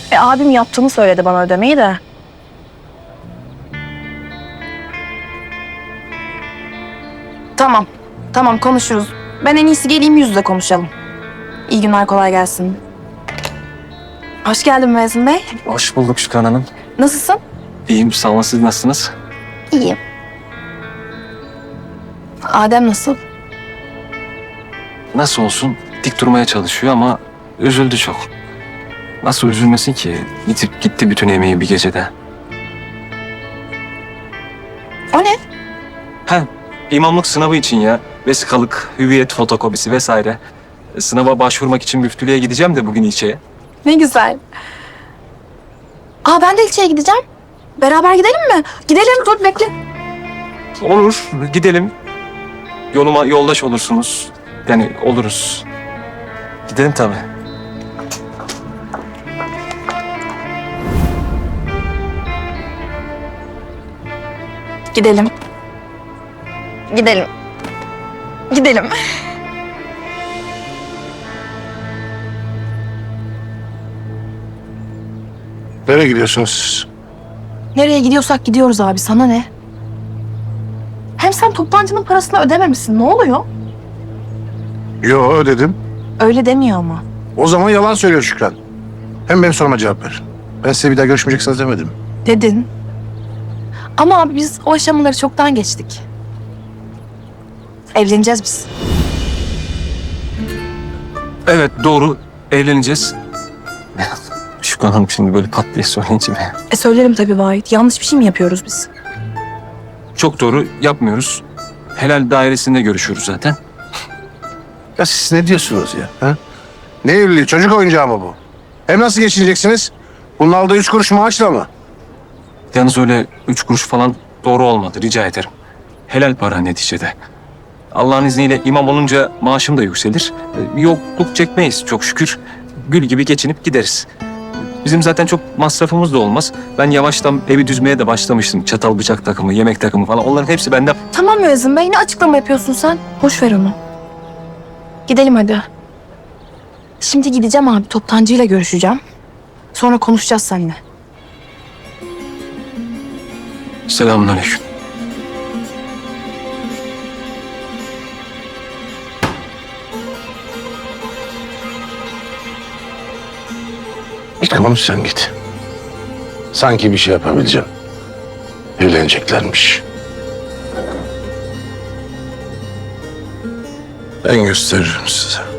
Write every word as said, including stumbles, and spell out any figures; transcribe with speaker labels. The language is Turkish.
Speaker 1: E, abim yaptığını söyledi bana ödemeyi de. Tamam. Tamam konuşuruz. Ben en iyisi geleyim yüz yüze konuşalım. İyi günler, kolay gelsin. Hoş geldin Mezun Bey.
Speaker 2: Hoş bulduk Şükran Hanım.
Speaker 1: Nasılsın?
Speaker 2: İyiyim, sağ olun. Siz nasılsınız?
Speaker 1: İyiyim. Adem nasıl?
Speaker 2: Nasıl olsun? Dik durmaya çalışıyor ama üzüldü çok. Nasıl üzülmesin ki? Gidip gitti bütün emeği bir gecede.
Speaker 1: O ne?
Speaker 2: Ha, imamlık sınavı için ya. Vesikalık, hüviyet fotokopisi vesaire. Sınava başvurmak için müftülüğe gideceğim de bugün ilçeye.
Speaker 1: Ne güzel. Aa, ben de ilçeye gideceğim. Beraber gidelim mi? Gidelim, dur bekle.
Speaker 2: Olur, gidelim. Yoluma yoldaş olursunuz. Yani oluruz. Gidelim tabii.
Speaker 1: Gidelim. Gidelim. Gidelim.
Speaker 3: Nereye gidiyorsunuz siz?
Speaker 1: Nereye gidiyorsak gidiyoruz abi, sana ne? Hem sen toptancının parasını ödememişsin, ne oluyor?
Speaker 3: Yo ödedim.
Speaker 1: Öyle demiyor ama.
Speaker 3: O zaman yalan söylüyor Şükran. Hem benim soruma cevap ver. Ben size bir daha görüşmeyeceksiniz demedim.
Speaker 1: Dedin. Ama abi biz o aşamaları çoktan geçtik. Evleneceğiz biz.
Speaker 2: Evet, doğru. Evleneceğiz. Şükran Hanım şimdi böyle pat diye söyleyince mi?
Speaker 1: E söylerim tabii Vahit. Yanlış bir şey mi yapıyoruz biz?
Speaker 2: Çok doğru, yapmıyoruz. Helal dairesinde görüşüyoruz zaten.
Speaker 3: Ya siz ne diyorsunuz ya? Ha? Ne evliliği? Çocuk oyuncağı mı bu? Hem nasıl geçineceksiniz? Bunun aldığı üç kuruş maaşla mı?
Speaker 2: Yalnız öyle üç kuruş falan doğru olmadı, rica ederim. Helal para neticede. Allah'ın izniyle imam olunca maaşım da yükselir. Ee, Yokluk çekmeyiz çok şükür. Gül gibi geçinip gideriz. Bizim zaten çok masrafımız da olmaz. Ben yavaştan evi düzmeye de başlamıştım. Çatal bıçak takımı, yemek takımı falan. Onların hepsi bende.
Speaker 1: Tamam Müezzin Bey, ne açıklama yapıyorsun sen? Boş ver onu. Gidelim hadi. Şimdi gideceğim abi, toptancıyla görüşeceğim. Sonra konuşacağız seninle.
Speaker 2: Selamünaleyküm.
Speaker 3: Tamam sen git. Sanki bir şey yapabileceğim. Evleneceklermiş. Ben gösteririm size.